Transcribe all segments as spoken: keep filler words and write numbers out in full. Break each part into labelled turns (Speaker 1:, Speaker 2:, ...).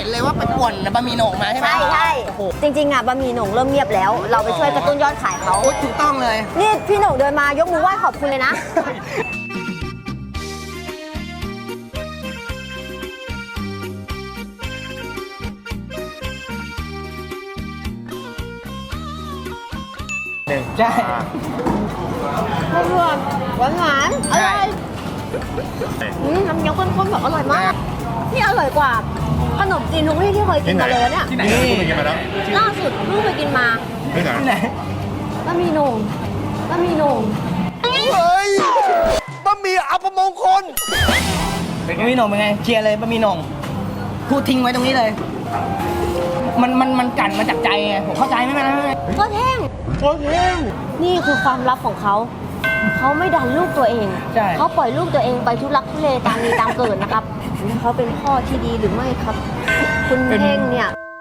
Speaker 1: นเลยว่าไปป่วนบะหมี่โหน่งมาใช่ไหม
Speaker 2: ใช่ใช่จริงๆอ่ะบะหมี่โหน่งเริ่มเงียบแล้ว เราไปช่วยกระตุ้นยอดขายเขา
Speaker 1: โอ้ถูกต้องเลย
Speaker 2: นี่พี่โหน่งเดินมายกมือไหว้ขอบคุณเลยนะ
Speaker 1: หนึ่งใช่
Speaker 2: หวานหวานหวานอร่อยอืมน้ำเงี้ยวข้นๆแบบอร่อยมากนี่อร่อยกว่าขนมจีนทุกที่ที่เคยกินมาเลยเนี่ย
Speaker 3: ที่ไหนคุณไปกินมาแล้ว
Speaker 2: ล่าสุดเพิ่งไปกินมา
Speaker 3: ที่ไหน
Speaker 1: ที่ไหน
Speaker 2: บะหมี่โหน่งบะหมี่โหน่ง
Speaker 4: เฮ้ยบะหมี่อัปมงคล
Speaker 1: เป็นบะหมี่โหน่งเป็นไงเคลียร์เลยบะหมี่โหน่งพูดทิ้งไว้ตรงนี้เลย มันมันมันกั่นมาจากใจไงผมเข้าใจไหมมัน
Speaker 2: ก็แท่ง
Speaker 1: โอเค
Speaker 2: นี่คือความลับของเขา เขาไม่ดันลูกตัวเอง
Speaker 1: ใช่
Speaker 2: เขาปล่อยลูกตัวเองไปทุลักทุเลตามมีตามเกิดนะครับ เขาเป็นพ่อที่ดีหรือไม่ครับ คุณเท่งเนี่ย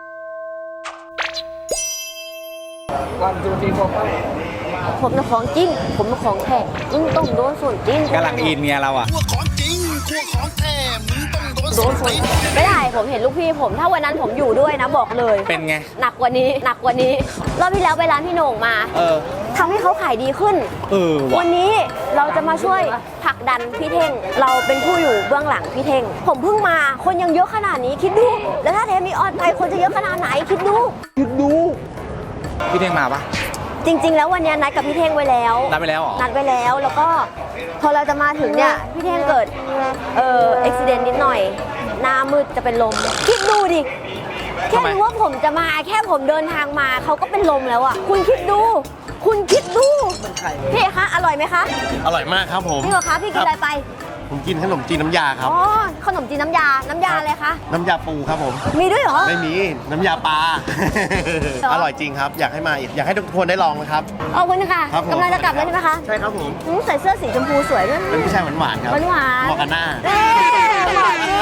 Speaker 1: วันจูจีโฟกัส
Speaker 2: ผมเป็นของจริง ผมเป็นของแท้มึงต้องโดนส่วนจริง
Speaker 3: กำลังอินเมียเราอ่ะ
Speaker 4: ตัวของจริงตัวของแท้มึงต้องโดน
Speaker 2: โดนส่วนไม่ได้ผมเห็นลูกพี่ผม ถ้าวันนั้นผมอยู่ด้วยนะบอกเลย
Speaker 3: เป็นไง
Speaker 2: หนักกว่านี้ หนักกว่านี้ รอบที่แล้วไปร้านพี่โหน่งมา
Speaker 3: เออ
Speaker 2: ทำให้เขาขายดีขึ้น
Speaker 3: เออว่ะ
Speaker 2: วันนี้เราจะมาช่วยผลักดันพี่เท่ง เราเป็นผู้อยู่เบื้องหลังพี่เท่ง ผมเพิ่งมา คนยังเยอะขนาดนี้คิดดู แล้วถ้าเทปมีออนไปคนจะเยอะขนาดไหนคิดดู
Speaker 3: คิดดู พี่เท่งมาปะ
Speaker 2: จริง ๆ แล้ววันนี้นัดกับพี่เท่งไว้แล้ว
Speaker 3: นัดไปแล้วเหรอ
Speaker 2: นัดไว้แล้ว แล้วก็พอเราจะมาถึงเนี่ยพี่เท่งเกิดเอ่ออุบิเหตุนิดหน่อย หน้ามืดจะเป็นลม คิดดูดิ แค่รู้ว่าผมจะมาแค่ผมเดินทางมาเขาก็เป็นลมแล้วอ่ะ คุณคิดดู คุณคิดดูพี่เอกคะอร่อยไหมคะ
Speaker 4: อร่อยมากครับผม
Speaker 2: พี่เหรอคะพี่กินอะไรไป
Speaker 4: ผมกินขนมจีนน้ำยาครับ
Speaker 2: อ๋อ ขนมจีนน้ำยา น้ำยาอะไรคะ
Speaker 4: น้ำยาปูครับผม
Speaker 2: มีด้วยเหรอ
Speaker 4: ไม่มี น้ำยาปลา
Speaker 2: หรอ
Speaker 4: อร่อยจริงครับ อยากให้มาอีก อยากให้ทุกคนได้ลองนะครับ
Speaker 2: ขอบคุณค่ะ
Speaker 4: ครับผม
Speaker 2: กำลังจะกลับแล้วใช่ไหมคะ
Speaker 4: ใช่ครับผม
Speaker 2: อืมใส่เสื้อสีชมพูสวยด้วย
Speaker 4: เป็นผู้ชายหวานๆครับ
Speaker 2: หวานๆ
Speaker 4: เหมาะกับหน้า
Speaker 2: เอ๊ะเหมาะจริง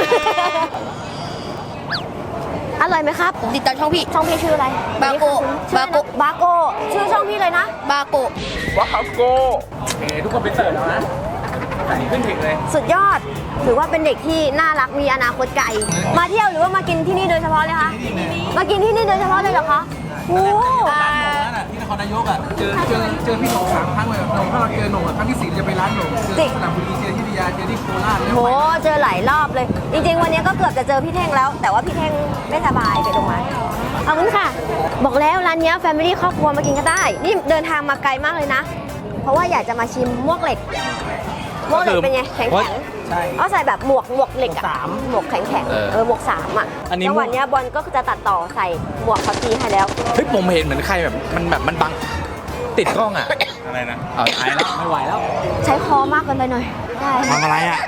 Speaker 2: อร่อยไหมครับ
Speaker 1: ติดตามช่องพี่
Speaker 2: ช่องพี่ชื่ออะไร
Speaker 1: บาโกะ
Speaker 2: ชื่ออะไรนะ
Speaker 1: บาโกะ
Speaker 2: บาโกะชื่อช่องพี่เลยนะ
Speaker 1: บาโกะ
Speaker 3: ว้าวโกเอทุกคนไปเสิร์ฟแล้วนะใส่ขึ้นเทคเลย
Speaker 2: สุดยอด ถือว่าเป็นเด็กที่น่ารักมีอนาคตไกล มาเที่ยวหรือว่ามากินที่นี่โดยเฉพาะเลยคะ มากินที่นี่โดยเฉพาะเลยเหรอคะโอ้
Speaker 5: ที่นครนายกอ่ะเจอเจอเจอพี่หนงสามครั้งเลยหนงถ้าเราเจอหนงอ่ะครั้งที่สี่จะไปร้านหนงเจอที่สระบุรีเจอที่พิทยาเจอที่โคราชแล้ว
Speaker 2: โห เจอหลายรอบเลย จริงๆ วันนี้ก็เกือบจะเจอพี่เท่งแล้ว แต่ว่าพี่เท่งไม่สบายไปโรงพยาบาลขอบคุณค่ะ บอกแล้วร้านเนี้แฟมิลี่ครอบครัวมากินก็ได้ นี่เดินทางมาไกลมากเลยนะ เพราะว่าอยากจะมาชิมมวกเหล็กมวกเหล็กเป็นไงแข็งแข็ง
Speaker 1: ใช่
Speaker 2: เอาใส่แบบหมวกหมวกเหล็กอะ
Speaker 1: หมวกสาม
Speaker 2: หมวกแข็งแข็งเออหมวกสามอะ
Speaker 3: อันนี้
Speaker 2: จังหวะเนี้ยบอลก็จะตัดต่อใส่หมวกเขาทีให้แล้ว
Speaker 3: เฮ้ยผมเห็นเหมือนใครแบบมันแบบมันบังติดกล้องอ่ะ อะไรนะเอาตายแล้วไม่ไหวแล้ว
Speaker 2: ใช้คอมากเกินไปหน่อยได้
Speaker 3: ทำอะไรอ่ะ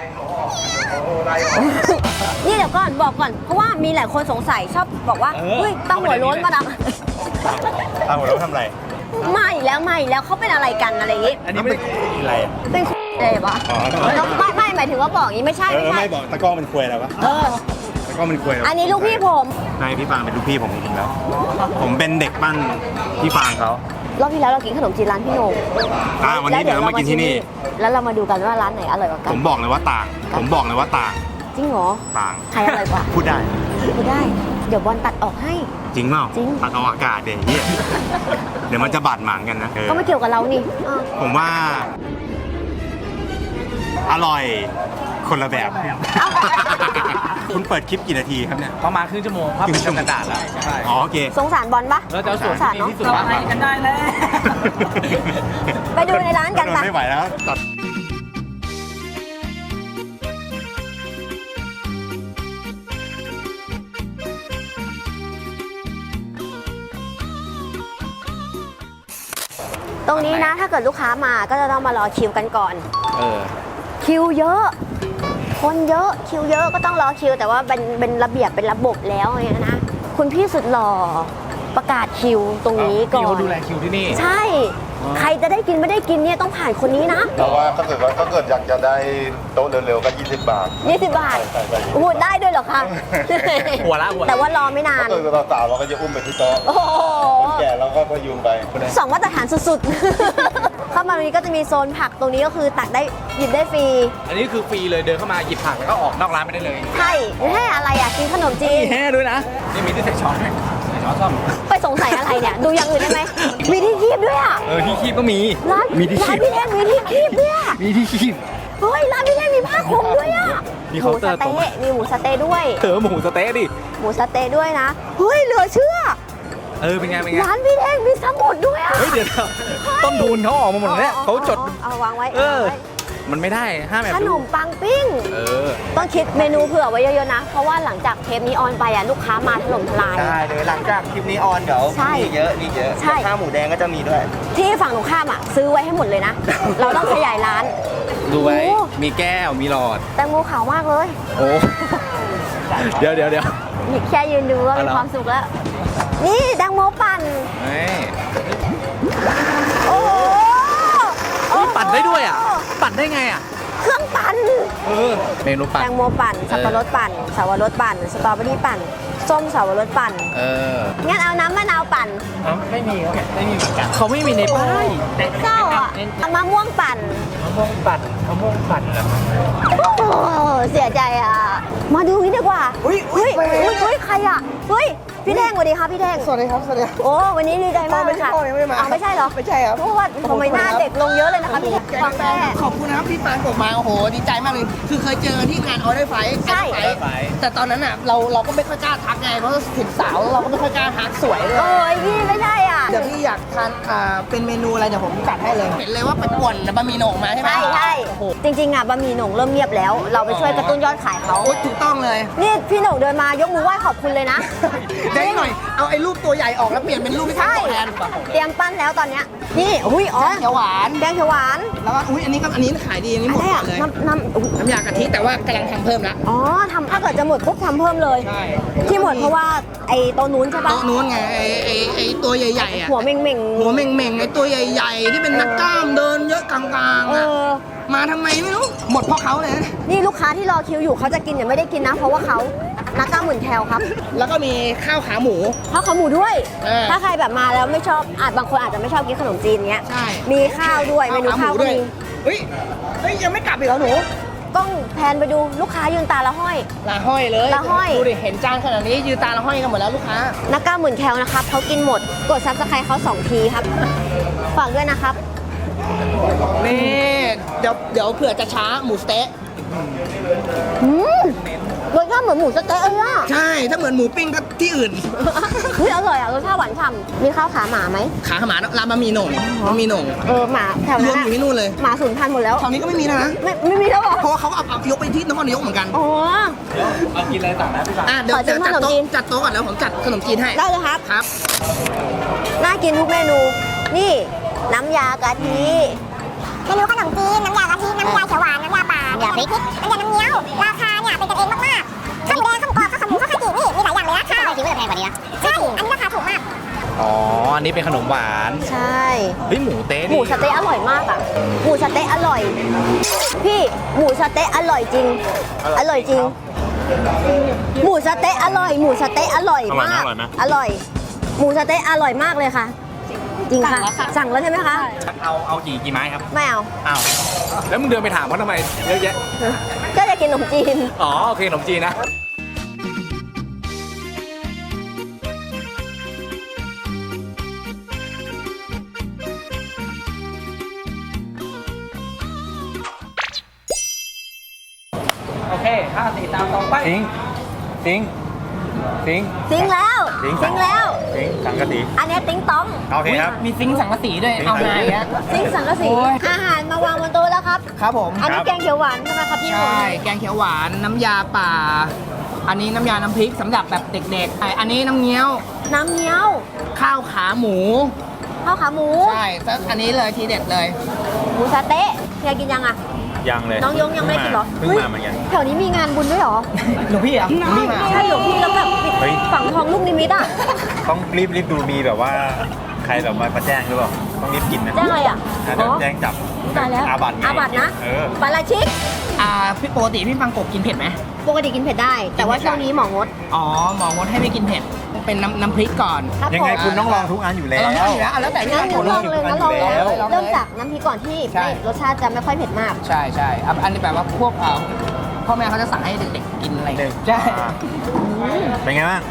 Speaker 2: นี่เดี๋ยวก่อนบอกก่อน เพราะว่ามีหลายคนสงสัยชอบบอกว่า
Speaker 3: เออ
Speaker 2: เฮ้ยตั้งหัวโล้นมาดัง
Speaker 3: ตามผมแล้วทำอะไร
Speaker 2: ไม่แล้วไม่แล้วเขาเป็นอะไรกันอะไรอย่างงี้
Speaker 3: อันนี้ไม่ได้อะไรอ่ะ
Speaker 2: เป็นอะไรปะ
Speaker 3: อ๋อ
Speaker 2: ไม่ไม่หมายถึงว่าบอกอย่างนี้ไม่ใช่
Speaker 3: เอ
Speaker 2: ไม่
Speaker 3: อ
Speaker 2: ใช่
Speaker 3: ไม่บอกตะกร้อมันควยแล้วปะ
Speaker 2: เออ
Speaker 3: ตะกร้อมันควยแล้ว
Speaker 2: อันนี้ลูกพี่ผม
Speaker 3: ใช่พี่ฟางเป็นลูกพี่ผมจริงๆแล้ว ผมเป็นเด็กปั้นพี่ฟางเขา
Speaker 2: รอบที่แล้วเรากินขนมจีนร้านพี่โหน่ง
Speaker 3: อ่าวันนี้เดี๋ยวเรามากินที่นี่
Speaker 2: แล้วเรามาดูกันว่าร้านไหนอร่อยกว่ากั
Speaker 3: ผ
Speaker 2: น
Speaker 3: มบอกเลยว่าต่าง ผมบอกเลยว่าต่าง
Speaker 2: จริงเหรอ
Speaker 3: ต่าง
Speaker 2: ใครอร่อยกว่า
Speaker 3: พูดได้
Speaker 2: พูดได้ เดี๋ยวบอลตัดออกให้
Speaker 3: จริงเปล่า
Speaker 2: จริง
Speaker 3: ตัดเอาอากาศเดี๋ยวเฮียเดี๋ยวมันจะบาดหมางกันนะเออ
Speaker 2: ก็ไม่เกี่ยวกับเรานี่อ่ะ
Speaker 3: ผมว่า อร่อยคนละแบบ คุณเปิดคลิปกี่นาทีครับเนี่ย
Speaker 5: ประมาณครึ่งชั่วโมงครับเป็นกระดาษแล้วใช่
Speaker 3: อ๋อโอเค
Speaker 2: สงสารบอลปะ
Speaker 5: เราจะเอาส่วน
Speaker 2: สงสาร
Speaker 5: ที่
Speaker 2: เนาะ
Speaker 5: ดีที่สุดมาให้กันได้แล้ว
Speaker 2: ไปดูในร้านกัน
Speaker 3: โด
Speaker 2: ปะ
Speaker 3: ไม่ไหวแล้วตัด
Speaker 2: ตรงนี้นะถ้าเกิดลูกค้ามาก็จะต้องมารอคิวกันก่อน
Speaker 3: เออ
Speaker 2: คิวเยอะ คนเยอะคิวเยอะก็ต้องรอคิว แต่ว่าเป็นเป็นระเบียบเป็นระบบแล้วเนี่ยนะ คุณพี่สุดหล่อประกาศคิวตรงนี้ก่อน
Speaker 3: พี่เขาดูแลคิวที่นี่
Speaker 2: ใช่ ใครจะได้กินไม่ได้กินเนี่ยต้องผ่านคนนี้นะ
Speaker 6: แต่ว่าถ้าเกิดว่าถ้าเกิดอยากจะได้โต๊ะเร็วๆก็ยี่สิบบาท
Speaker 2: ยี่สิบบาท
Speaker 6: ใช่ใช่
Speaker 2: โอ้โหได้ด้วยเหรอคะ
Speaker 3: หัวละหัวละ
Speaker 2: แต่ว่ารอไม่นาน
Speaker 6: ถ้าเกิดเราสาวเราก็จะอุ้มไปที่โต๊ะ
Speaker 2: โอ้โห
Speaker 6: คนแก่เราก็พยุงไป
Speaker 2: สองมาตรฐานสุดๆ คมาตรงนี้ก็จะมีโซนผักตรงนี้ก็คือตักได้หยิบได้ฟรี
Speaker 3: อันนี้คือฟรีเลยเดินเข้ามาหยิบผักแล้วก็ออกนอกร้านไม่ได้เลย
Speaker 2: ใช่ไม่ให้อะไรอ่ะกินขนมจีน
Speaker 3: มีแห่ด้วยนะนี่มีที่ใส่ช้อนด้วยใส่ช้อนซ่อม
Speaker 2: ไปสงสัยอะไรเนี่ยดูอย่างอื่นได้ไหมมีที่คีบด้วยอ่ะ
Speaker 3: เออที่คีบก็มี
Speaker 2: ร้าน
Speaker 3: มีที่
Speaker 2: ร้า
Speaker 3: คี
Speaker 2: น
Speaker 3: บ
Speaker 2: พี่แท่งมีที่คีบด้วยอะ
Speaker 3: มีที่คีบ
Speaker 2: เฮ้ยร้านพี่แท่งมีผ้าคลุมด้วยอ่ะ
Speaker 3: มี
Speaker 2: ห
Speaker 3: เคา
Speaker 2: มู
Speaker 3: น์เต
Speaker 2: ส
Speaker 3: อร์ตรง
Speaker 2: เต๊ะมีหมูสเต๊ะด้วย
Speaker 3: เออหมูสะเต๊ะดิ
Speaker 2: หมูสเต๊ะด้วยนะเฮ้ยเหลือเชื่อ
Speaker 3: เออเป็นไงเป็นไง
Speaker 2: ร้านพี่แท่งมีสมุดด้วยอ่ะ
Speaker 3: เฮ้ยเดี๋ยวต้นทุนเขาออกมาหมดแล้วเนี่ยเขาจด
Speaker 2: เอาวางไว้
Speaker 3: เออ มันไม่ได้ห้ามแบบ
Speaker 2: ขนมปังปิ้ง
Speaker 3: เออ
Speaker 2: ต้องคิดเมนูเผื่อไว้เยอะๆนะ เพราะว่าหลังจากเทปนี้ออนไปอ่ะลูกค้ามาถล่มทลาย
Speaker 1: ได้เลยหลังจากคลิปนี้ออนเดี๋ยว
Speaker 2: ใช่
Speaker 1: มีเยอะมีเยอะ
Speaker 2: ใช่
Speaker 1: ข้าวหมูแดงก็จะมีด้วย
Speaker 2: ที่ฝั่งตรงข้ามอ่ะซื้อไว้ให้หมดเลยนะ เราต้องขยายร้าน
Speaker 3: ดูไว้
Speaker 2: โอ้
Speaker 3: มีแก้วมีหลอด
Speaker 2: แตงโมขาวมากเลย
Speaker 3: โอ้ เดี๋ยวเดี๋ยวเดี๋ยว
Speaker 2: แค่ยืนดูก็มี
Speaker 3: อะไร
Speaker 2: ความสุขแล้ว นี่แตงโมปั่น
Speaker 3: เฮ้ย
Speaker 2: โอ้โห
Speaker 3: เฮ้ยปั่นได้ด้วยอ่ะ ปั่นได้ไงอ่ะ
Speaker 2: เครื่องปั่น
Speaker 3: เออ เมนูปั่น
Speaker 2: แตงโมปั่น สับปะรดปั่นสาวรสปั่น สตรอเบอรี่ปั่น ส้มสาวรสปั่น
Speaker 3: เออ
Speaker 2: งั้นเอาน้ำมะนาวปั่น
Speaker 1: ไม่มีครับไม่มีเหมือนกัน
Speaker 3: เขาไม่มีในป้าย
Speaker 2: เศร้าอ่ะเอามะม่วงปั่น
Speaker 1: มะม่วงปั่นมะม่วงปั่นเหรอ
Speaker 2: โอ้เสียใจอ่ะ มาดูนี่ดีกว่า
Speaker 1: อุ๊ยอุ๊
Speaker 2: เฮ้
Speaker 1: ย
Speaker 2: ยเฮ้ยเฮ้ยใครอ่ะเฮ้ยพี่แดงสวัสดีครับพี่แดง
Speaker 1: สวัสดีครับสวัสดีครับ
Speaker 2: โอ้วันนี้ดีใจมากเลยค่ะ
Speaker 1: พ่อไม่ใช่พ่อยังไม่มา
Speaker 2: อ้าวไม่ใช่เหรอ
Speaker 1: ไม่ใช่ครับ
Speaker 2: เพราะว่าทำไมหน้าเด็กลงเยอะเลยนะคะพี่แดงฟังแม่
Speaker 1: ขอบคุณนะครับที่ปานกบมาโอ้โหดีใจมากเลย คือเคยเจอที่งานออเดอร์ไฟ
Speaker 2: ใช่
Speaker 1: แต่ตอนนั้นอ่ะเราเราก็ไม่ค่อยกล้าทักไงเพราะถึงสาวเราก็ไม่ค่อยกล้าทักสวยเลย
Speaker 2: โอ้ยพี่ไม่ใช่อ่ะ
Speaker 1: เดี๋ยวพี่อยากทานอ่าเป็นเมนูอะไรเดี๋ยวผมจัดให้เลย เห็นเลยว่าไปป่วนบะหมี่โหน่งมาใช่ไหม
Speaker 2: ใช่ใช่
Speaker 1: โอ้โห
Speaker 2: จริงๆอ่ะบะหมี่หนงเริ่มเงียบแล้ว เราไปช่วยกระตุ้นยอดขายเขา
Speaker 1: โอ้ยถูกต้องเลย
Speaker 2: นี่พี่หนงเดินมายกมือไหว้ขอบคุณเลยนะ
Speaker 1: ได้หน่อย เอาไอ้รูปตัวใหญ่ออกแล้วเปลี่ยนเป็นรูปที่ทำ
Speaker 2: ใช่
Speaker 1: ตัวแทน
Speaker 2: เตรียมปั้นแล้วตอนเนี้ยนี่อุ้ยอ๋อ
Speaker 1: เขียวหวาน
Speaker 2: แดงเขียวหวาน
Speaker 1: แล้วก็อุ้ยอันนี้ก็อันนี้ขายดีอันนี้หมด
Speaker 2: อะไร
Speaker 1: ก่อ
Speaker 2: อ่ะ
Speaker 1: นเลย
Speaker 2: น้ำน้ำอุ๊ย
Speaker 1: น้ำยากะทิแต่ว่ากำลังทำเพิ่มละ
Speaker 2: อ๋อทำถ้าเกิดจะหมดปุ๊บทำเพิ่มเลย
Speaker 1: ใช่
Speaker 2: ที่หมดเพราะว่าไอ้โตัวนู้นใช่ปะ
Speaker 1: โต๊ะนู้นไงไอ้ไอ้ไอ้ตัวใหญ่ๆอ่ะ
Speaker 2: หัวเม่งเม่งๆ
Speaker 1: หัวเม่งๆไอ้ตัวใหญ่ๆ ที่เป็นนักกล้ามเดินเยอะกลางๆ
Speaker 2: เอ
Speaker 1: อะ
Speaker 2: อ
Speaker 1: มาทำไมไม่รู้ หมดเพราะเขาเลยนะ
Speaker 2: นี่ลูกค้าที่รอคิวอยู่เขาจะกินเนี่ยไม่ได้กินนะ เพราะว่าเขานักกล้ามหมื่นแคลครับ
Speaker 1: แล้วก็มีข้าวขาหมู
Speaker 2: ข้าวขาหมูด้วย
Speaker 1: เออ
Speaker 2: ถ้าใครแบบมาแล้วไม่ชอบอาจบางคนอาจจะไม่ชอบกินขนมจีนเงี้ย
Speaker 1: ใช่
Speaker 2: มีข้าวด้วยเมนูข้าวก็มี
Speaker 1: เฮ้ยเฮ้ยยังไม่กลับอีกเหรอหนู
Speaker 2: กล้องแพนไปดูลูกค้ายืนตาละห้อย
Speaker 1: ลาห้อยเลย
Speaker 2: ลาห้อย
Speaker 1: ดูดิเห็นจานขนาดนี้ยืนตาละห้อยกันหมดแล้วลูกค้า
Speaker 2: นักกล้ามหมื่นแคลนะครับเขากินหมดกดซับสไครต์เขาสองทีครับฝากด้วยนะครับ
Speaker 1: นี่เดี๋ยวเดี๋ยวเผื่อจะช้าหมูสเต๊ะ
Speaker 2: อืมรสชาติเหมือนหมูสะเต๊ะเลยอ่ะ
Speaker 1: ใช่ถ้าเหมือนหมูปิ้งก็ที่อื่น
Speaker 2: เฮ้ยอร่อยอ่ะรสชาติหวานฉ่ำมีข้าวขาหมาไหม
Speaker 1: ขาหมาร้านบะหมี่โหน่งบะหมี่โหน่ง
Speaker 2: เออหมาแถว
Speaker 1: ร
Speaker 2: นั้
Speaker 1: วน ม
Speaker 2: อะ
Speaker 1: อยู่ที่นู่นเลย
Speaker 2: หมาสูญพันธุ์หมดแล้ว
Speaker 1: แถวนี้ก็ไม่มีแล้วนะ
Speaker 2: ไม่ไม่มีแล้วเหรอ
Speaker 1: เพราะว่าเขาเอาเอายกไปที่นครนายกเหมือนกัน
Speaker 2: อ๋อ
Speaker 3: เอากินอะไรต่างนะพี่ปาน
Speaker 1: อ่ะเดี๋ยว
Speaker 2: ขอชิ
Speaker 1: จะ
Speaker 2: ม
Speaker 1: จัด
Speaker 2: ขนม
Speaker 1: โต๊ะ
Speaker 2: จีน
Speaker 1: จัดโต๊ะก่อนแล้วผมจัดขนมจีนให้
Speaker 2: ได้เลยครับ
Speaker 1: ครับ
Speaker 2: น่ากินทุกเมนู นี่ น้ำยากะทิ
Speaker 7: เมนูขนมจีน น้ำยากะทิ น้ำยาเขียวหวาน น้ำยาป่าน้ำยาพริก น้ำยาน้ำเงี้ยว ราคาเนี่ยเป็นกันเองมากๆข้าวหมูแดงข้าวหมูกรอบข้าวขาหมูข้าวขาจีนี่ มีหลายอย่างเลยนะข้าวคิดว่าจะแพงกว่านี้นะใช่ อันนี้ราคาถูกมาก
Speaker 3: อ๋อ อันนี้เป็นขนมหวาน
Speaker 2: ใช่
Speaker 3: เฮ้ยหมูเต๊ะ
Speaker 2: หมูสะเต๊ะอร่อยมากอ่ะ หมูสะเต๊ะอร่อย พี่ หมูสะเต๊ะอร่อยจริง อร่อยจริง หมูสะเต๊ะอร่อย หมูสะเต๊ะอร่อยมาก อร่อย หมูสะเต๊ะอร่อยมากเลยค่ะ จริงค่ะ สั่งแล้วใช่ไหมคะ
Speaker 3: เอาเอากี่กี่ไม้ครับ
Speaker 2: ไม่เอา
Speaker 3: อ้าว แล้วมึงเดินไปถามเขาทำไมเยอะแยะ
Speaker 2: ก็จะกินขนมจีน
Speaker 3: อ๋อ โอเคขนมจีนนะ
Speaker 1: โอเคห้าสี่ตามตรงไป
Speaker 3: สิงสิงสิง
Speaker 2: ซิงแล้ว
Speaker 3: ซิง
Speaker 2: ซิงแล้ว
Speaker 3: สิงสังกะสี
Speaker 2: อันเนี้ยติ๊งต้อง
Speaker 3: โอเคครับ
Speaker 1: มีซิงค์สังกะสีด้วย เอาไงอ่ะ
Speaker 2: ซิงสังกะสี
Speaker 1: โอ้ย
Speaker 2: อาหารมาวางบนโต๊ะแล้วครับ
Speaker 1: ครับผม
Speaker 2: อันนี้แกงเขียวหวานใช่ไหมครับพี่หนุ่
Speaker 1: ใช่
Speaker 2: ม
Speaker 1: แกงเขียวหวาน น้ำยาป่า อันนี้น้ำยาน้ำพริกสำหรับแบบเด็กๆไอ้อันนี้น้ำเงี้ยว
Speaker 2: น้ำเงี้ยว
Speaker 1: ข้าวขาหมู
Speaker 2: ข้าวขาหมู
Speaker 1: ใช่แล้วอันนี้เลยทีเด็ดเลย
Speaker 2: หมูสะเต๊ะเฮียกินยังอ่ะ
Speaker 3: ยังเลย
Speaker 2: น้องยงยังไม่กินเหรอ
Speaker 3: เพิ่ง
Speaker 2: ฮ้ย
Speaker 3: มาเหมือนกัน
Speaker 2: แถวนี้มีงานบุญด้วยเหรอ
Speaker 1: หลวงพี่เหรอ่ะหลวงพี่มา
Speaker 2: ใช่หลวงพี่แล้วแบบปิด
Speaker 3: เฮ้ย
Speaker 2: ฝังทองลูกนิมิตอ่ะ
Speaker 3: ต้องรีบรีบดูมีแบบว่าใครแบบมามาแจ้งหรือเปล่า ต้องรีบกินนะ
Speaker 2: แจ้งอะไรอ่ะ
Speaker 3: อ่ะเดี๋ยวแจ้งจับ
Speaker 2: ตายแล้ว
Speaker 3: อาบัตไง
Speaker 2: อาบัตนะ
Speaker 3: เออ
Speaker 2: ปาราชิก
Speaker 1: อ่าพี่ปกติพี่ฟังกบกินเผ็ดไหม
Speaker 2: ปกติกินเผ็ดได้ แต่ว่าช่วงนี้หมองด
Speaker 1: อ๋อหมองดให้ไม่กินเผ็ดเป็นน้ำน้ำพริกก่อน
Speaker 2: ครับ
Speaker 3: ยังไง
Speaker 2: ผม
Speaker 3: คุณต้องลองทุกอันอยู่แล้ว
Speaker 1: เราไม่อยู่แล้วเอาแล้วแต่พี่
Speaker 2: งั้น
Speaker 1: คน
Speaker 2: ลองเลยงั้นลองเลย
Speaker 3: แล้ว
Speaker 2: เริ่มจากน้ำพริกก่อนที่
Speaker 1: ใช่
Speaker 2: ไม่รสชาติจะไม่ค่อยเผ็ดมาก
Speaker 1: ใช่ใช่อ่ะอันนี้แบบว่าพวกเอ่อพ่อแม่เขาจะสั่งให้เด็กๆกินอะไรอย่างเงี้ยใช่
Speaker 3: เป็นไงบ้าง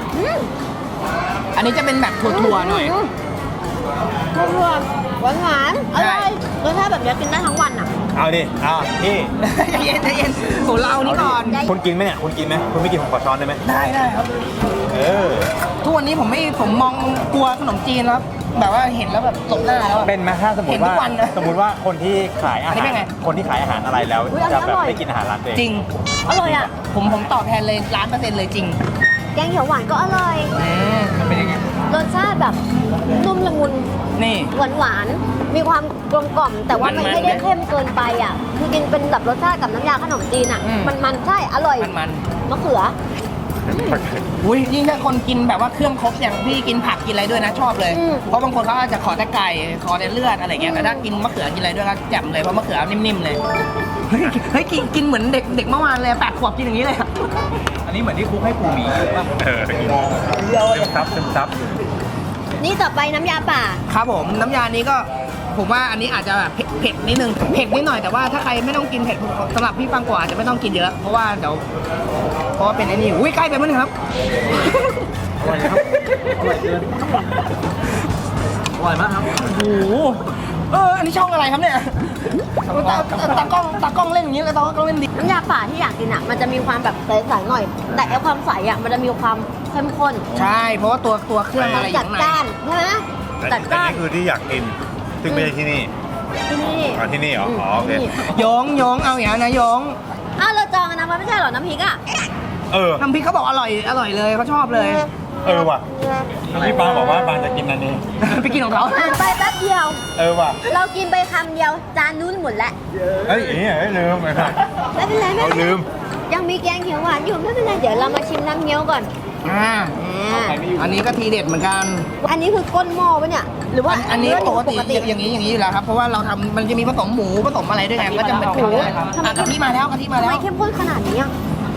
Speaker 1: อันนี้จะเป็นแบบถั่วๆหน่อย
Speaker 2: ถั่วหวานหวานๆอร่อยรสชาติแบบนี้กินได้ทั้งวันอ่ะ
Speaker 3: เอาดิเอาพี่
Speaker 1: ใจเย็นใจเย็นโหเรานี่ก่อน
Speaker 3: คุณกินไหมเนี่ยคุณกินไหมคุณไม่กินผมขอช้อนได้ไหม
Speaker 1: ได้ได้ครับ
Speaker 3: เออ
Speaker 1: ทุกวันนี้ผมไม่ผมมองกลัวขนมจีนแล้วแบบว่าเห็นแล้วแบบหลบหน้าแล้วอะ
Speaker 3: เป็นไหมถ้าสมม
Speaker 1: เห็น
Speaker 3: ติ
Speaker 1: ทุ
Speaker 3: ว่าก
Speaker 1: วันนะ
Speaker 3: สมมติว่าคนที่ขายอา
Speaker 1: อันนี้
Speaker 3: หา
Speaker 1: เป็นไง
Speaker 3: รคนที่ขายอาหารอะไรแล้ว
Speaker 2: อุ๊ยอันนี้
Speaker 3: จะแบบ
Speaker 2: อร่อย
Speaker 3: ไม่กินอาหารร้านตัวเอง
Speaker 1: จริง
Speaker 2: อร่อยอ่ะ
Speaker 1: ผมผมตอบแทนเลยล้านเปอร์เซ็นต์เลยจริง
Speaker 2: แกงเขียวหวานก็อร่อย
Speaker 1: อืมมันเป็นยังไง
Speaker 2: รสชาติแบบนุ่มละมุน
Speaker 1: นี่
Speaker 2: หวานหวานๆมีความกลมกล่อม แต่ว่ามัน
Speaker 1: มันๆ
Speaker 2: ไม่ได้เข้มเกินไปอ่ะ คือกินเป็นแบบรสชาติกับน้ำยาขนมจีนอ่ะ
Speaker 1: อืม
Speaker 2: มันมันๆใช่ อร่อย
Speaker 1: มันมัน
Speaker 2: มะเขือ
Speaker 1: อุ้ยยิ่งถ้าคนกินแบบว่าเครื่องครบอย่างพี่กินผักกินอะไรด้วยนะชอบเลย
Speaker 2: อืม
Speaker 1: เพราะบางคนเขาอาจจะขอแต่ไก่ขอแต่เลือดอะไรเงี้ยแต่ถ้ากินมะเขือกินอะไรด้วยก็แจ่มเลยเพราะมะเขือนิ่มๆเลยเฮ้ยเฮ้ยกินกินเหมือนเด็กเด็กเมื่อวานเลยแปดขวบกินอย่างนี้เลยอะ
Speaker 3: อันนี้เหมือนที่คุกให้ปูหมีเลยป่ะเออซึมซับซึมซับ
Speaker 2: นี่ต่อไปน้ำยาป่า
Speaker 1: ครับผมน้ำยานี้ก็ผมว่าอันนี้อาจจะแบบเผ็ดเผ็ดนิดนึงเผ็ดนิดหน่อยแต่ว่าถ้าใครไม่ต้องกินเผ็ดสำหรับพี่ฟังกว่าอาจจะไม่ต้องกินเยอะเพราะว่าเดี๋ยวเพราะว่าเป็นไอ้นี่อุ้ยใกล้ไปมั้งครับ
Speaker 5: อร่อยครับอร่อยเกินอร่อยมากครับ
Speaker 1: โอ้โหเอออันนี้ช่องอะไรครับเนี่ยตาตากล้องตากล้องเล่นอย่างนี้เลยตากล้องเล่นดี
Speaker 2: น้ำยาป่าที่อยากกินอ่ะ มันจะมีความแบบใสๆหน่อย แต่ไอ้ความใสอ่ะ มันจะมีความเข้มข้น
Speaker 1: ใช่เพราะว่าตัวตัวเครื่องอะไรอ
Speaker 2: จั
Speaker 1: ยู่
Speaker 2: ด
Speaker 1: ข้างใน
Speaker 2: จ้านใช่ไหมจัดจ้าน
Speaker 3: นี่คือที่อยากกิน ซึ่งไม่ใช่ที่นี่
Speaker 2: ที่นี่
Speaker 3: อ๋อที่นี่เหรออ๋อโอเค
Speaker 2: ที่นี่
Speaker 1: โยงโยงเอาอย่างนั้นนะโยง
Speaker 2: อ้าวเราจองกันนะมันไม่ใช่เหรอ น้ำพริกอ่ะ
Speaker 3: เออ
Speaker 1: น้ำพริกเขาบอกอร่อยอร่อยเลยเขาชอบเลย
Speaker 3: เออว่ะพี่ปาบอกว่าปาจะกินอันนี้
Speaker 1: ไปกินของเขา
Speaker 2: อ่านไปแป๊บเดียว
Speaker 3: เออว่ะ
Speaker 2: เรากินไปคำเดียว จานนู้นหมดแล้ว
Speaker 3: เอ้ยอย่างนี้เอ้ยลืมไปครับ
Speaker 2: ไม่เป็นไรไม่
Speaker 3: เอา
Speaker 2: เป็นไร
Speaker 3: ลืม
Speaker 2: ยังมีแกงเขียวหวานอยู่ไม่เป็นไร เดี๋ยวเรามาชิมน้ำเงี้ยวก่อน
Speaker 1: อ่า
Speaker 2: อ่า
Speaker 1: อันนี้ก็ทีเด็ดเหมือนกัน
Speaker 2: อันนี้คือก้นหม้อปะเนี่ย หรือว่า
Speaker 1: อันนี้
Speaker 2: เนื้อห
Speaker 1: ป
Speaker 2: มู
Speaker 1: กติอย่างนี้อย่างนี้อยู่แล้วครับเพราะว่าเราทำมันจะมีผสมหมูผสมอะไรด้วยไงมันก็จะเป็น
Speaker 2: โอ้โห
Speaker 1: อ่ะกะทิมาแล้วกะทิมา
Speaker 2: ทำ
Speaker 1: แล้
Speaker 2: ไม
Speaker 1: ว
Speaker 2: เข้มข้นขนาดนี้อ่ะ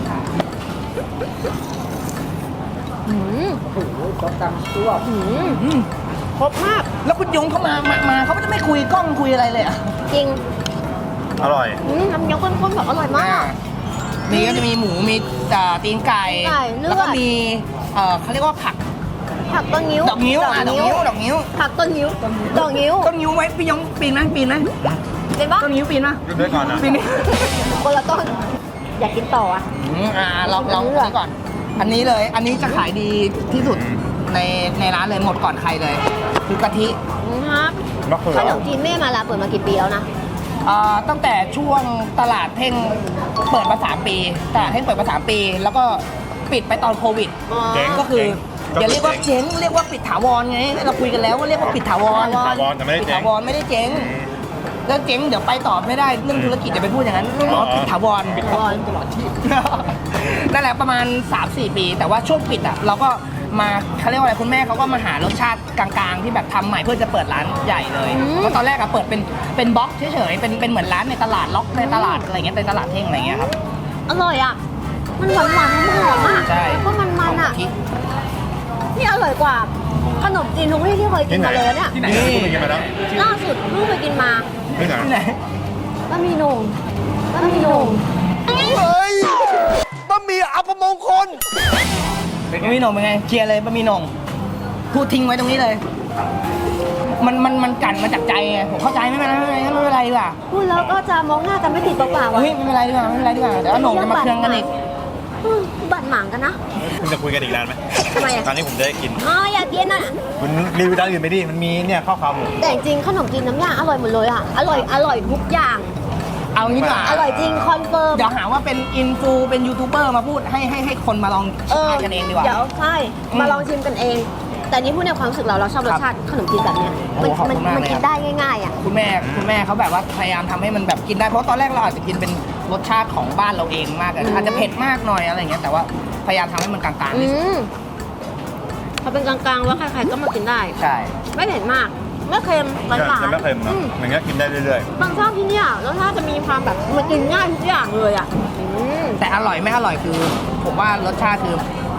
Speaker 2: อืมอืม
Speaker 1: อืม
Speaker 2: ครบมาก
Speaker 1: แล้วคุณยงเขามามามาเขาก็จะไม่คุยกล้องคุยอะไรเลยอ่ะ
Speaker 2: จริง
Speaker 3: อร่อย
Speaker 2: อืมน้ำเงี้ยวข้นๆแบบอร่อยมาก
Speaker 1: มีก็จะมีหมูมีอ่าตีนไก่
Speaker 2: ไก่เลือด
Speaker 1: แล้วก็มีเอ่อเขาเรียกว่าผัก
Speaker 2: ผักต้นนิ้ว
Speaker 1: ดอกนิ้วอ่ะดอกนิ้วดอกนิ้ว
Speaker 2: ผักต้นนิ้ว ดอกนิ้ว
Speaker 1: ต้นนิ้วไว้พี่ยงปีนไหมปีนไหม
Speaker 2: เป็นปะ
Speaker 1: ต้นนิ้วปีนไหม
Speaker 3: กินด้วยก่อนนะ
Speaker 1: ปีนนี่
Speaker 2: คนละต้น อยากกินต่ออ่ะ
Speaker 1: อืมอ่าเราเราอันนี้ก่อน อันนี้เลย อันนี้จะขายดีที่สุดในในร้านเลยหมดก่อนใครเลย คือกะทิ
Speaker 2: ครับ
Speaker 3: มะเขือ
Speaker 2: ขนมจีนแม่มาลาเปิดมากี่ปีแล้วนะ
Speaker 1: อ่าตั้งแต่ช่วงตลาดเท่งเปิดมาสามปีตลาดเท่งเปิดมาสามปี แล้วก็ปิดไปตอนโควิด
Speaker 2: อ๋อ
Speaker 3: เจ๊ง
Speaker 1: ก็คือ
Speaker 3: เจ๊ง
Speaker 1: อย่าเรียกว่าเจ๊งเรียกว่าปิดถาวรไงเราคุยกันแล้วว่าเรียกว่าปิดถาวร
Speaker 3: ปิดถาวรแต่ไม่ได้
Speaker 1: ปิด
Speaker 3: เจ๊ง
Speaker 1: ถาวรไม่ได้เจ๊งแล้วเจ๊งเดี๋ยวไปต่อไม่ได้เรื่องธุรกิจจะไปพูดอย่างนั้นอ๋อปิดถาวรปิดถาวรตลอดที่ นั่นแหละประมาณ สามสี่ ปี แต่ว่าช่วงปิดอ่ะเราก็มาเขาเรียกว่าอะไรคุณแม่เขาก็มาหารสชาติกลางๆ ที่แบบทำใหม่เพื่อจะเปิดร้านใหญ่เลยเพราะตอนแรกอะเปิดเป็นเป็นบล็อกเฉยๆเป็นเป็นเหมือนร้านในตลาดล็อกในตลาดอะไรเงี้ยในตลาดเท่งอะไรเงี้ยครับ
Speaker 2: อร่อยอ่ะ มันหวานหวานๆหอมๆอ่ะ
Speaker 1: ใช่
Speaker 2: แล้วก็มันมันๆอ่ะ
Speaker 1: ที่
Speaker 2: นี่อร่อยกว่า ขนมจีนทุกที่ที่เคยกินมาเลยเนี่ย
Speaker 3: ที่ไหนที่คุณไปกินมาแล้ว
Speaker 2: ล่าสุดลูกไปกินมา
Speaker 3: ที่ไหน
Speaker 1: ที่ไหน
Speaker 2: บะหมี่หนุ่มบะหมี่หนุ่ม
Speaker 4: เฮ้ยบะหมี่อัปมงคล
Speaker 1: บะหมี่หนงเป็นไงเคลียร์เลยบะหมี่หนงพูดทิ้งไว้ตรงนี้เลย มันมันมันกั่นมาจากใจไงผมเข้าใจไม่เป็นไรไม่เป็นไรไม่เป็นไรดีกว่า
Speaker 2: พูดแล้วก็จะมองหน้ากันไม่ติดเปล่าๆอ่ะ
Speaker 1: เฮ้ยไม่เป็นไรดีกว่าไม่เป็นไรดีกว่าเดี๋ยวหนงจะมาเครื่องกันอีก
Speaker 2: อืมบัดหมางกันนะ
Speaker 3: คุณจะคุยกันอีกนานไหม
Speaker 2: ทำไมอ่ะ
Speaker 3: ตอนนี้ผมจะได้กิน
Speaker 2: อ๋ออยากกินอ่ะ
Speaker 3: คุณรีวิวร้านอื่นไปดิ มันมีเนี่ยข้าวขาหมู
Speaker 2: แต่จริงๆขนมจีนน้ำยาอร่อยหมดเลยอ่ะ อร่อยอร่อยทุกอย่าง
Speaker 1: เอางี้ดีกว่า
Speaker 2: อร่อยจริงคอนเฟิร์ม
Speaker 1: เดี๋ยวหาว่าเป็นอินฟูเป็นยูทูบเบอร์มาพูดให้ให้ให้คนมาลอง
Speaker 2: เออ
Speaker 1: ทานกันเองดีกว่า
Speaker 2: เดี๋ยวใช่
Speaker 1: อืม
Speaker 2: มาลองชิมกันเอง แต่นี่พูดในความรู้สึกเราเราชอบรสชาติขนมจีนแบบเนี้ย
Speaker 1: โอ้
Speaker 2: มัน
Speaker 1: ขอบคุ
Speaker 2: มัน
Speaker 1: ณมาก
Speaker 2: มัน
Speaker 1: เลย
Speaker 2: กิ
Speaker 1: ครั
Speaker 2: น
Speaker 1: บ
Speaker 2: ได้ง่ายๆอ่ะ
Speaker 1: คุณแม่คุณแม่เขาแบบว่าพยายามทำให้มันแบบกินได้เพราะตอนแรกเราอาจจะกินเป็นรสชาติของบ้านเราเองมากเลยอาจจะเผ็ดมากหน่อยอะไรอย่างเงี้ยแต่ว่าพยายามทำให้มันกลางๆ
Speaker 2: อื
Speaker 1: ที่สุด
Speaker 2: มพอเป็นกลางๆแล้วใครๆก็มากินได้
Speaker 1: ใช่
Speaker 2: ไม่เผ็ดมาก ไม่เค็มหวานหวาน
Speaker 3: จะไม่เค็มเนอะอย่างเงี้ยกินได้เรื่อย
Speaker 2: บางชอบที่เนี่ยรสชาติจะมีความแบบมันกินง่ายทุกอย่างเลยอ่ะอืม
Speaker 1: แต่อร่อยไม่อร่อยคือ ผมว่ารสชาติคือ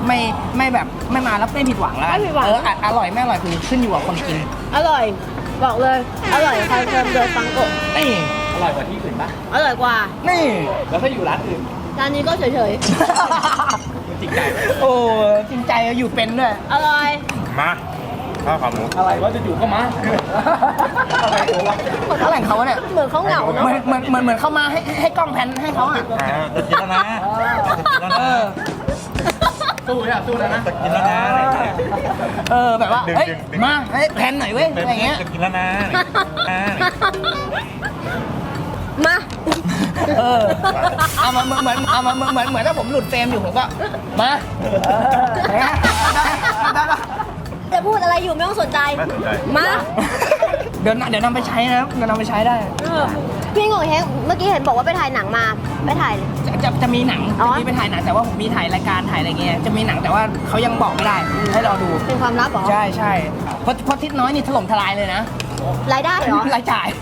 Speaker 1: ไม่ไม่แบบไม่มาแล้วไม่ผิดหวังแล้วกัน
Speaker 2: ไม่ผิดหวัง
Speaker 1: เอออ่ะอร่อยไม่อร่อยคือขึ้นอยู่กับคนกิน
Speaker 2: อร่อย บอกเลย อร่อยคอนเฟิร์มโดยฟังโกะ
Speaker 1: นี่
Speaker 3: อร่อยกว่าที่อื่นปะ
Speaker 2: อร่อยกว่า
Speaker 1: นี่
Speaker 3: แล้วถ้าอยู่ร้านอื่น
Speaker 2: ร้านนี้ก็เฉย
Speaker 3: จริงใจไหม
Speaker 1: โอ้จริงใจอยู่เป็นด้วย
Speaker 2: ๆ อร่อย
Speaker 3: มาข้าวขาหมู
Speaker 1: อะไรวะจะอยู่ก็มาอะไรวะอะไรของเขาเนี่ย
Speaker 2: เหมือนเขาเหงา
Speaker 1: เห
Speaker 2: เนาะ
Speaker 1: มือนเหมือนเหมือนเหมือนเข้ามาให้ให้กล้องแพนให้เขาอ่ะ
Speaker 3: อ่าจะกินแล้วนะจะกินแล้วนะสู้อ่ะสู้แล้วนะจะกินแล้วนะอะไรอย่างเงี้ย
Speaker 1: เออแบบว่า
Speaker 3: ดึง
Speaker 1: เฮ้ย
Speaker 3: ดึงดึง
Speaker 1: มาเฮ้ยแพนหน่อยเว้ยอะไรเงี้ย
Speaker 3: จะกินแล้วนะอ่า
Speaker 2: มา
Speaker 1: เออเอามาเหมือนเหมือนเอามาเหมือนเหมือนเหมือนถ้าผมหลุดเฟรมอยู่ผมก็มาเออได้ได้ได้
Speaker 2: จะพูดอะไรอยู่ไม่ต้องสนใจ
Speaker 3: ไม่สนใจ
Speaker 2: มา
Speaker 1: เดี๋ยวเดี๋ยวนำไปใช้นะครับเดี๋ยวนำไปใช้ได้
Speaker 2: เออพี่งงเฮงเมื่อกี้เห็นบอกว่าไปถ่ายหนังมา ไปถ่าย
Speaker 1: จะจะจะมีหนัง
Speaker 2: อ๋อ
Speaker 1: จะมีไปถ่ายหนังแต่ว่าผมมีถ่ายรายการถ่ายอะไรเงี้ยจะมีหนังแต่ว่าเขายังบอกไม่ได้ให้รอดู
Speaker 2: เป็นความลับเหรอ
Speaker 1: ใช่ใช่เพราะเพราะทิศน้อยนี่ถล่มทลายเลยนะ
Speaker 2: รายได้เหรอ
Speaker 1: รายจ่าย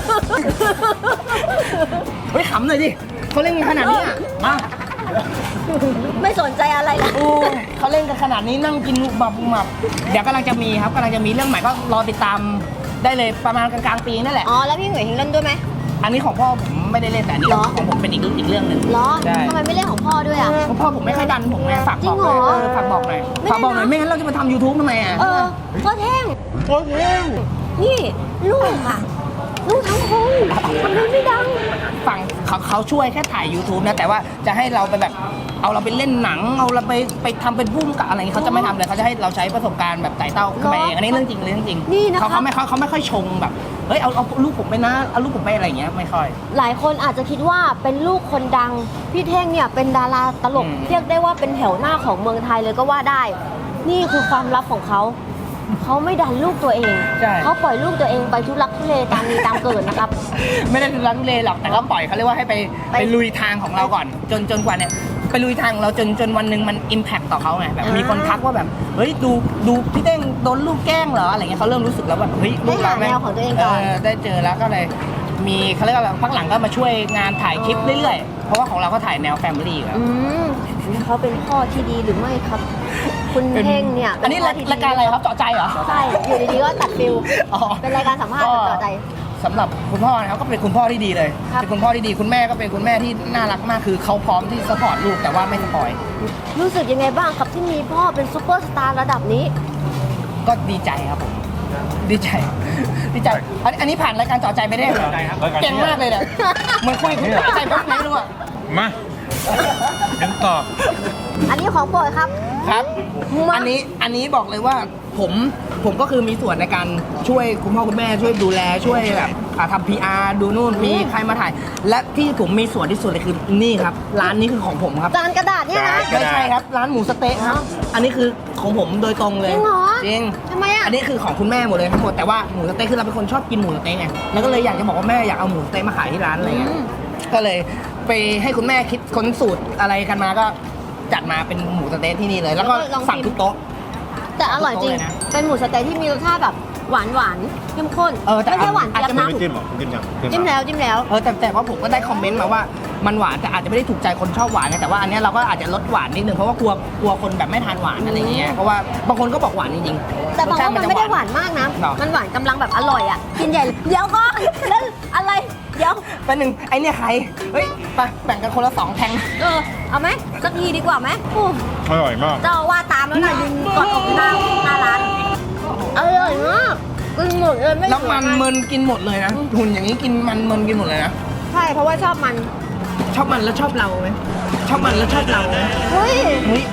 Speaker 1: เฮ้ยขำหน่อยดิเขาเล่นกันขนาดนี้อะมา
Speaker 2: ไม่สนใจอะไรเลย
Speaker 1: โอ้เขาเล่นกันขนาดนี้นั่งกินหมับหมับเดี๋ยวกำลังจะมีครับกำลังจะมีเรื่องใหม่ก็รอติดตามได้เลยประมาณกลางๆปีนั่นแหละ
Speaker 2: อ๋อ แล้วพี่เหงยเฮงเล่นด้วยไหม
Speaker 1: อันนี้ของพ่อผมไม่ได้เล่นแต่อันนี้
Speaker 2: เหรอ
Speaker 1: ของผมเป็นอีกอีกเรื่องหนึ่ง
Speaker 2: เหรอ
Speaker 1: ใช่
Speaker 2: ทำไมไม่เล่นของพ่อด้วยอ่ะ
Speaker 1: เพราะพ่อผมไม่ค่อยดันผมไงฝาก
Speaker 2: จริ
Speaker 1: บ
Speaker 2: ง
Speaker 1: อก
Speaker 2: เหร
Speaker 1: เลย
Speaker 2: อ
Speaker 1: เออฝากบอกหน่อย
Speaker 2: ไม่
Speaker 1: ฝากบอกหน่อย
Speaker 2: ได้นะ
Speaker 1: ไม่งั้นเราจะมาทำ YouTube ทำไมอ่ะ
Speaker 2: เออพ่อแท่ง
Speaker 1: โอ้โห
Speaker 2: นี่ลูกอ่ะ ลูกทั้งคนทำไมไม่ดัง
Speaker 1: ฝั่งเขาเขาช่วยแค่ถ่าย YouTube นะแต่ว่าจะให้เราไปแบบเอาเราไปเล่นหนังเอาเราไปไปทำเป็นพุ่มกับอะไรอย่างงี้เขาจะไม่ทำเลยเขาจะให้เราใช้ประสบการณ์แบบไต่เต้าขึ้นไปเองอันนี้เรื่องจริงเรื่องจริง
Speaker 2: นี่นะคะ
Speaker 1: เขาเขาไม่เขาเขาไม่ค่อยชงแบบเฮ้ยเอาเอาลูกผมไปนะเอาลูกผมไปอะไรอย่างเงี้ยไม่ค่อย
Speaker 2: หลายคนอาจจะคิดว่าเป็นลูกคนดัง พี่เท่งเนี่ยเป็นดาราตลก
Speaker 1: อืม
Speaker 2: เรียกได้ว่าเป็นแถวหน้าของเมืองไทยเลยก็ว่าได้ นี่คือความลับของเขา เขาไม่ดันลูกตัวเอง
Speaker 1: ใช่
Speaker 2: เขาปล่อยลูกตัวเองไปทุลักทุเลตามมีตามเกิดนะครับ
Speaker 1: ไม่ได้รันเลหรอกแต่ก็ปล่อยเขาเรียกว่าให้ไป
Speaker 2: ไป
Speaker 1: ไปลุยทางของเราก่อน จนจนกว่าเนี่ยไปลุยทางของเราจนจนวันหนึ่งมันอิมแพคต่อเขาไงแบบ
Speaker 2: อ่ามี
Speaker 1: มีคนทักว่าแบบเฮ้ยดูดูพี่เต้งโดนลูกแกล้งเหรออะไรเงี้ยเขาเริ่มรู้สึกแล้วแบบเฮ้ยลูกเรา
Speaker 2: ได้หาแนวของตัวเองก่อน
Speaker 1: ได้เจอแล้วก็เลยมีเขาเรียกว่าแบบพักหลังก็มาช่วยงานถ่ายคลิปเรื่อยๆเพราะว่าของเราก็ถ่ายแนวแฟมิลี่ครับ
Speaker 2: อืมเขาเป็นพ่อที่ดีหรือไม่ครับ คุณเท่งเนี่ย
Speaker 1: อันนี้
Speaker 2: เป็พ่ที่ดี
Speaker 1: รายการอะไรครับเจาะใจเหรอ
Speaker 2: ใช่ อยู่ดีๆก็ตัดฟิล
Speaker 1: อ๋อ
Speaker 2: เป็นรายการสัมภาษณ์ต่อใจ
Speaker 1: สำหรับคุณพ่อนะครับก็เป็นคุณพ่อที่ดีเลย
Speaker 2: ครับ
Speaker 1: เป็นคุณพ่อที่ดีคุณแม่ก็เป็นคุณแม่ที่น่ารักมากคือเขาพร้อมที่สปอร์ตลูกแต่ว่าไม่สปอย
Speaker 2: รู้สึกยังไงบ้างครับที่มีพ่อเป็นซูเปอร์สตาร์ระดับนี้
Speaker 1: ก็ดีใจครับผมดีใจ ดีใจอันอันนี้ผ่านรายการเจาะใจไปได้เหรอเก่งมากเลยเนี่ยเหมือนคุยคุณเจาะใจแป๊บไหนไม่รู้อะ
Speaker 3: มากันต่อ
Speaker 2: อันนี้ของโปรดครับ
Speaker 1: ครับ
Speaker 2: มา
Speaker 1: อันนี้อันนี้บอกเลยว่าผมผมก็คือมีส่วนในการช่วยคุณพ่อคุณแม่ช่วยดูแลช่วยแบบอ่าทำพีอาร์ดูนู่นมีใครมาถ่าย และที่ผมมีส่วนที่สุดเลยคือนี่ครับร้านนี้คือของผมครับ
Speaker 2: จานกระดาษเนี่ยนะ
Speaker 1: ไม่ใช่ครับร้านหมูสะเต๊ะครับ อันนี้คือของผมโดยตรงเลย
Speaker 2: จริงเหรอ
Speaker 1: จริง
Speaker 2: ทำไมอ่ะ
Speaker 1: อันนี้คือของคุณแม่หมดเลยทั้งหมดแต่ว่าหมูสะเต๊ะคือเราเป็นคนชอบกินหมูสะเต๊ะไงแล้วก็เลยอยากจะบอกว่าแม่อยากเอาหมูสะเต๊ะมาขายที่ร้านอะไรเงี้ย
Speaker 2: อืม
Speaker 1: ก็เลยไปให้คุณแม่คิดค้นสูตรอะไรกันมาก็จัดมาเป็นหมูสะเต๊ะที่นี่เลย แล้วก็สั่งทุกโต๊ะ
Speaker 2: แต่อร่อยจริง
Speaker 1: โต๊ะเลยนะ
Speaker 2: เป็นหมูสะเต๊ะที่มีรสชาติแบบหวานหวานๆเข้มข้น
Speaker 1: เออแต่
Speaker 2: ไม่ใช่หวาน
Speaker 1: อาจ
Speaker 2: เจี๊ยบ
Speaker 1: จะไม่
Speaker 2: นะ
Speaker 3: ไม่จิ้มหรอจิ้มยัง
Speaker 2: จิ้มแล้วจิ้มแล้ว
Speaker 1: เออแต่แต่ว่าผมก็ได้คอมเมนต์มาว่ามันหวานแต่อาจจะไม่ได้ถูกใจคนชอบหวานไงแต่ว่าอันเนี้ยเราก็อาจจะลดหวานนิดนึงเพราะว่ากลัวกลัวคนแบบไม่ทานหวานอะไรเงี้ยเพราะว่าบางคนก็บอกหวานจริงๆ
Speaker 2: แต่บาง
Speaker 1: รสช
Speaker 2: ว่ามัน
Speaker 1: จะ
Speaker 2: ไม่ได้หวานมากนะ
Speaker 1: หรอ
Speaker 2: มันหวานกำลังแบบอร่อยอ่ะ กินใหญ่เลยเดี๋ยวก่อนแล้วอะไร เดี๋ยว
Speaker 1: เป็นหนึ่งไอเนี่ยใครเฮ้ยไปแบ่งกันคนละสองแทง
Speaker 2: เออ เอาไหมสักทีดีกว่าไหมโอ้
Speaker 3: อร่อยมาก
Speaker 2: เจ้าว่าตามแล้วนะยืนกอดอกหน้าหน้าร้านอร่อยมากกินหมดเลยไม่
Speaker 1: แล้วมัน
Speaker 2: เหลือ
Speaker 1: เมินกินหมดเลยนะหุ่นอย่างนี้กินมันเมินกินหมดเลยนะ
Speaker 2: ใช่เพราะว่าชอบมัน
Speaker 1: ชอบมันแล้วชอบเราไหมชอบมันแล้วชอบเราไหม
Speaker 2: เฮ้ย
Speaker 1: เฮ้ย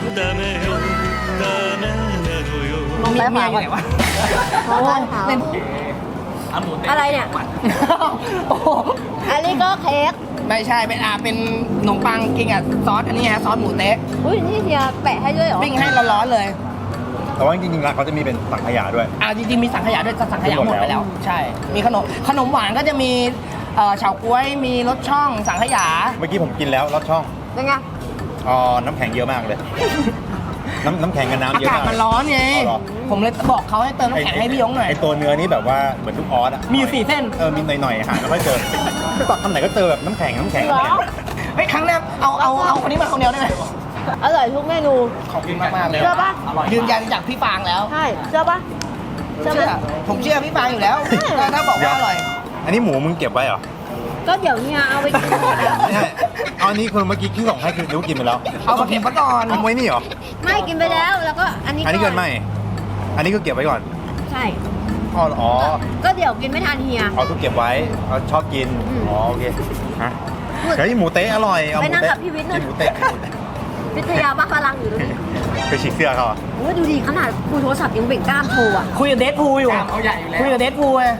Speaker 2: มอง
Speaker 1: มี
Speaker 2: ซ้ายข
Speaker 1: เมี
Speaker 2: วาย
Speaker 1: อ
Speaker 2: ก่
Speaker 1: ยู่
Speaker 2: อน
Speaker 1: ไหนวะ
Speaker 2: มองซ้ายขวา
Speaker 1: เล่น
Speaker 2: อะไรเนี่ย
Speaker 1: โอ้โห
Speaker 2: อันนี้ก็เค้ก
Speaker 1: ไม่ใช่เป็นอ่าเป็นขนมปังกินกับซอสอันนี้ฮะซอสหมูเต๊ะ
Speaker 2: อุ้ยนี่เฮียแปะให้ด้วยเหรอ
Speaker 1: ปิ้งให้ร้อนๆเลย
Speaker 3: แต่ว่าจริงๆร้านเขาจะมีเป็นสังขยาด้วย
Speaker 1: อ่าจริงๆมีสังขยาด้วยแต่สังขยาหมดไป
Speaker 3: หมดแล้
Speaker 1: แล้ว
Speaker 3: ว
Speaker 1: ใช่ มีขนมขนมหวานก็จะมีเอ่อเฉาก๊วยมีรสช่องสังขยา
Speaker 3: เมื่อกี้ผมกินแล้วรสช่อง
Speaker 2: เป็นไง
Speaker 3: อ๋อน้ำแข็งเยอะมากเลย น้ำน้ำแข็งกับน้ำ
Speaker 1: อา
Speaker 3: เยอะ
Speaker 1: กาศ
Speaker 3: มาก
Speaker 1: มันร้อนไง
Speaker 3: อ๋อเหรอ
Speaker 1: ผมเลยบอกเขาให้เติมน้ำแข็งให้พี่ยงหน่อย
Speaker 3: ไอตัวเนื้อนี่แบบว่าเหมือนลูกออสอะ
Speaker 1: มีอยู่สี่เส้น
Speaker 3: เออมีหน่อยๆหาไม่ค่อยเจอตักคำไหนก็เจอแบบน้ำแข็งน้ำแข็ง
Speaker 2: เหรอ
Speaker 1: เฮ้ยครั้งหน้าเอาเอาเอาคนนี้มาคนเดียวได้ไหม
Speaker 2: อร่อยทุกเมนู
Speaker 1: ขอบคุณมากมากๆเลย
Speaker 2: เชื่อปะ
Speaker 1: ยืนยันจากพี่ฟางแล้ว
Speaker 2: ใช่เชื่อปะเชื่อ
Speaker 1: เชื่อ
Speaker 2: ปะ
Speaker 1: ผมเชื่อพี่ฟางอยู่แล้วถ้าถ้าบอกว่าอร่อย
Speaker 3: อันนี้หมูมึงเก็บไว้เหรอ
Speaker 2: ก็เดี๋ยวเนี่ยเอาไปกินหมดอะ
Speaker 3: ไม่ใช่เอาอันนี้คนเมื่อกี้ที่ส่งให้คือรู้กินไปแล้ว
Speaker 1: เอามาเก็บไว้ก่อน
Speaker 3: เอาไว้นี่เหรอ
Speaker 2: ไม่กินไปแล้วแล้วก็อันนี้
Speaker 3: อันนี้เกินไหมอันนี้ก็เก็บไว้ก่อน
Speaker 2: ใช่
Speaker 3: อ๋ออ๋อ
Speaker 2: ก็เดี๋ยวกินไม่ทันเฮีย
Speaker 3: เอาทุกเก็บไว้เอาชอบกิน
Speaker 2: อืม
Speaker 3: อ๋อโอเคฮะเฮ้ยหมูเต๊ะอร่อยเอาห
Speaker 2: ไป
Speaker 3: มู
Speaker 2: นั่ง
Speaker 3: เต๊ะ
Speaker 2: กับพี่วิทย์หน่อย
Speaker 3: กินหมูเต๊ะ
Speaker 2: วิทยาบ้าพลังอยู่ตรงนี้
Speaker 3: ไปฉีกเสื้อเขาอ่ะ
Speaker 2: โอ้ยดูดิขนาดคุยโทรศัพท์ยังเบ่งกล้ามโชว์อ่ะ
Speaker 1: คุยกับเดทพูลอยู่
Speaker 5: เอาใหญ่อยู่แล้ว
Speaker 1: คุยกับเดทพูลไง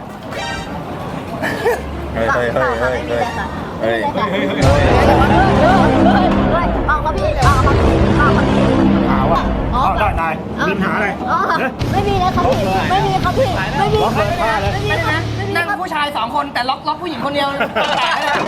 Speaker 3: เฮ้ยเฮ้ยเฮ้ยเฮ้ย
Speaker 2: ไม่มี
Speaker 3: เฮ้ย
Speaker 2: เลยค่ะ
Speaker 3: เฮ้ย
Speaker 2: ไม่มีเลยค่ะออกมาพี่ออกมาพี่ออกมาพี่
Speaker 3: ขาวอ่ะอ๋อได้ได้มีปัญหาอะไร
Speaker 2: อ๋อไม่มีเลยครับพี่ไม่มีครับพี่ไม่มีไม่มีไม่มีนะไม่มี
Speaker 1: นั่ง
Speaker 2: ครับ
Speaker 1: ผู้ชายสองคนแต่ล็อกล็อกผู้หญิงคนเดียวแตกเลย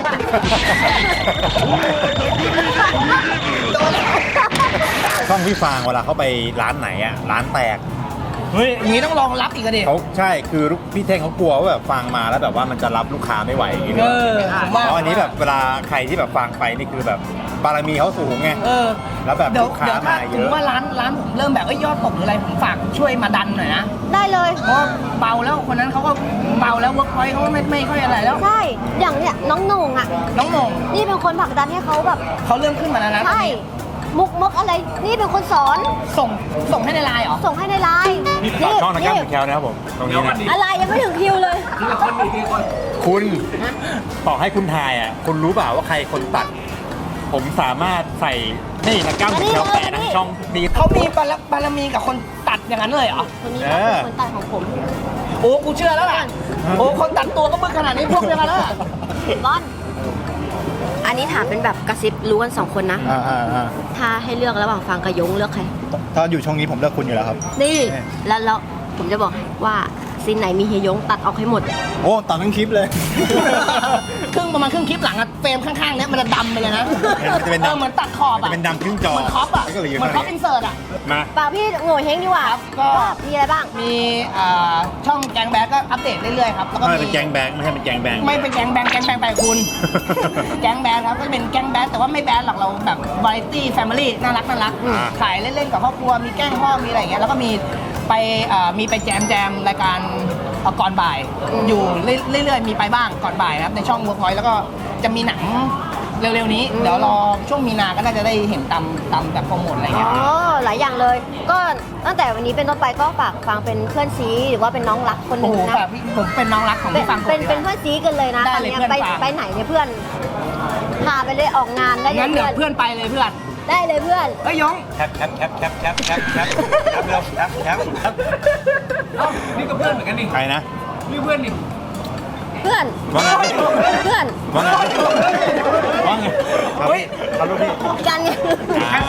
Speaker 3: ช่องพี่ฟางเวลาเขาไปร้านไหนอ่ะร้านแตก
Speaker 1: เฮ้ยอย่างนี้ต้องรองรับอีกอะดิ
Speaker 3: เขาใช่คือพี่เท่งเขากลัวว่าแบบฟังมาแล้วแบบว่ามันจะรับลูกค้าไม่ไหวอย่างนี้
Speaker 1: เออผมว่า
Speaker 3: เพราะอันนี้แบบเวลาใครที่แบบฟังไปนี่คือแบบบารมีเขาสูงไง
Speaker 1: เออ
Speaker 3: แล้วแบบ
Speaker 1: เดี๋ยว
Speaker 3: ลูกค้า
Speaker 1: เดี๋ยวถ้า
Speaker 3: มาเย
Speaker 1: ถึง
Speaker 3: อะ
Speaker 1: ว่าร้านร้านผมเริ่มแบบเอ้ยยอดตกหรืออะไรผมฝากช่วยมาดันหน่อยนะ
Speaker 2: ได้เลย
Speaker 1: เพราะเบาแล้วคนนั้นเขาก็เบาแล้วเวิร์กพอยต์เขาก็ไม่ไม่ค่อยอะไรแล้ว
Speaker 2: ใช่อย่างเนี้ยน้องโหน่งอ่ะ
Speaker 1: น้องโหมง
Speaker 2: นี่เป็นคนผลักดันให้เขาแบบ
Speaker 1: เขาเริ่มขึ้นมาแล้วนะ
Speaker 2: ใช่มุกมกอะไรนี่เป็นคนสอน
Speaker 1: ส่งส่งให้ในไลน์เหรอ
Speaker 2: ส่งให้ในไลน์
Speaker 3: นี่ฝากช่องทางการแคลนะครับผมตรงนี้นะ
Speaker 2: อะไรยังไม่ถึงคิวเลย
Speaker 5: ทีละคนอีกทีละคน
Speaker 3: คุณต่อให้คุณทายอ่ะคุณรู้เปล่าว่าใครคนตัด ผมสามารถใส่นี่ทางก้าวแคลแปะทั้งช่องดี
Speaker 1: เขามีบารบารมีกับคนตัดอย่างนั้นเลยเหรอ
Speaker 2: คนนี้
Speaker 3: เออ
Speaker 2: เป็นคนตัดของผม
Speaker 1: โอ้กูเชื่อแล้วล่ะโอ้คนตัดตัวก็มึกขนาดนี้พวกเดียวกันแล้วล่ะ
Speaker 2: ร้อนอันนี้ถามเป็นแบบกระซิบรู้กันสองคนนะ
Speaker 3: อ่าอ่าอ่า
Speaker 2: ถ้าให้เลือกระหว่างฟังกับยงเลือกใคร
Speaker 3: ถ้าอยู่ช่องนี้ผมเลือกคุณอยู่แล้วครับ
Speaker 2: นี่ แล้วแล้วผมจะบอกให้ว่าซีนไหนมีเฮยยงตัดออกให้หมด
Speaker 3: โอ้ตัดทั้งคลิปเลย
Speaker 1: ครึ่งประมาณครึ่งคลิปหลังอะเฟรมข้างๆเนี้ยมันจะดำไปเลยนะ
Speaker 3: มันจะเป็นดำ
Speaker 1: เออเหมือนตัดขอบ
Speaker 3: มัน
Speaker 1: อะ
Speaker 3: จะเป็นดำครึ่งจอ
Speaker 1: เหมือนคอปอะ
Speaker 3: แล้วก็เหลืออยู่
Speaker 1: เหมือนคอป
Speaker 3: ข้างนี้
Speaker 1: อินเสิร์ตอะ
Speaker 3: มา
Speaker 2: ป่าพี่โง่เฮงดีกว่า
Speaker 1: ครับก็
Speaker 2: ว่ามีอะไรบ้าง
Speaker 1: มีอ่าช่องแกงแบดก็อัปเดตเรื่อยๆครับแล้วก็
Speaker 3: ไม่
Speaker 1: มี
Speaker 3: เป็นแกงแบงไม่ใช่เป็นแกงแบง
Speaker 1: ไม่เป็นแกงแบงแกงแบงไปคุณ แกงแบดครับก็จะเป็นแกงแบดแต่ว่าไม่แบดหรอกเราแบบวาไรตี้แฟมิลี่น่ารักน่ารัก
Speaker 3: อ่า
Speaker 1: ถ่ายเล่นๆกับครอบครัวมีแกล้งพ่อมีอะไรอย่างเงี้ยแล้วก็มีไปเอ่อมีไปแจมแจมรายการเอ่อก่อนบ่าย อยู่เรื่อยๆมีไปบ้างก่อนบ่ายนะครับในช่องเวิร์กพอยต์แล้วก็จะมีหนังเร็วๆนี้ เดี๋ยวรอช่วงมีนาก็น่าจะได้เห็นตามตามแบบโปรโมทอะไร
Speaker 2: อ๋
Speaker 1: เงี้ย
Speaker 2: อ หลายอย่างเลย ก็ตั้งแต่วันนี้เป็นต้นไปก็ฝากฟังเป็นเพื่อนซีหรือว่าเป็นน้องรักคนห
Speaker 1: โอ้
Speaker 2: นึ่ง
Speaker 1: โห
Speaker 2: นะ
Speaker 1: แบบพี่ผมเป็นน้องรักของ
Speaker 2: เป็น
Speaker 1: พี่ฟัง
Speaker 2: เป็น
Speaker 1: ผม
Speaker 2: เป็นเพื่อนซีกันเลยนะ
Speaker 1: ได้
Speaker 2: ตอน
Speaker 1: เลย
Speaker 2: เนี้ย
Speaker 1: เพื่อน
Speaker 2: ไป
Speaker 1: ฝาก
Speaker 2: ไปไหนเนี่ยเพื่อน พาไปเลยออกงานได้เลย
Speaker 1: งั้นเดี๋ยว
Speaker 2: เพื่
Speaker 1: เพื่
Speaker 2: อน
Speaker 1: อนไปเลยเพื่อน
Speaker 2: ได้เลยเพื่อน
Speaker 1: เอ้ยยง
Speaker 3: แคปแคปแคปแคปแคปแคปแคปแคปเร็วแคปแคปแคป
Speaker 5: เอ้านี่ก็เพื่อนเหมือนกันดิ
Speaker 3: ใครนะ
Speaker 5: นี่เพื่อนดิ
Speaker 2: เพื่อน
Speaker 3: ว่าไง
Speaker 2: เพื่อน
Speaker 3: ว่าไงว่าไงเฮ้ยเอาลูกพี่
Speaker 2: กันไง
Speaker 3: อ่า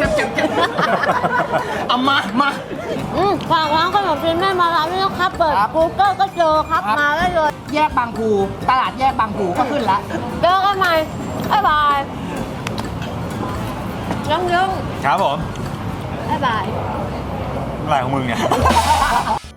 Speaker 1: เอามามา
Speaker 2: อืมฝากร้านขนมจีนแม่มาร้านนี้นะครับ เปิด Google ก็เจอครับ
Speaker 1: ครับ
Speaker 2: มาได้เลย
Speaker 1: แยกบางภูตลาดแยกบางภูก็ขึ้นละ
Speaker 2: เจอกันใหม่บ๊ายบายยังยัง
Speaker 3: ครับผม
Speaker 2: บ๊ายบาย
Speaker 3: อะไรของมึงเนี่ย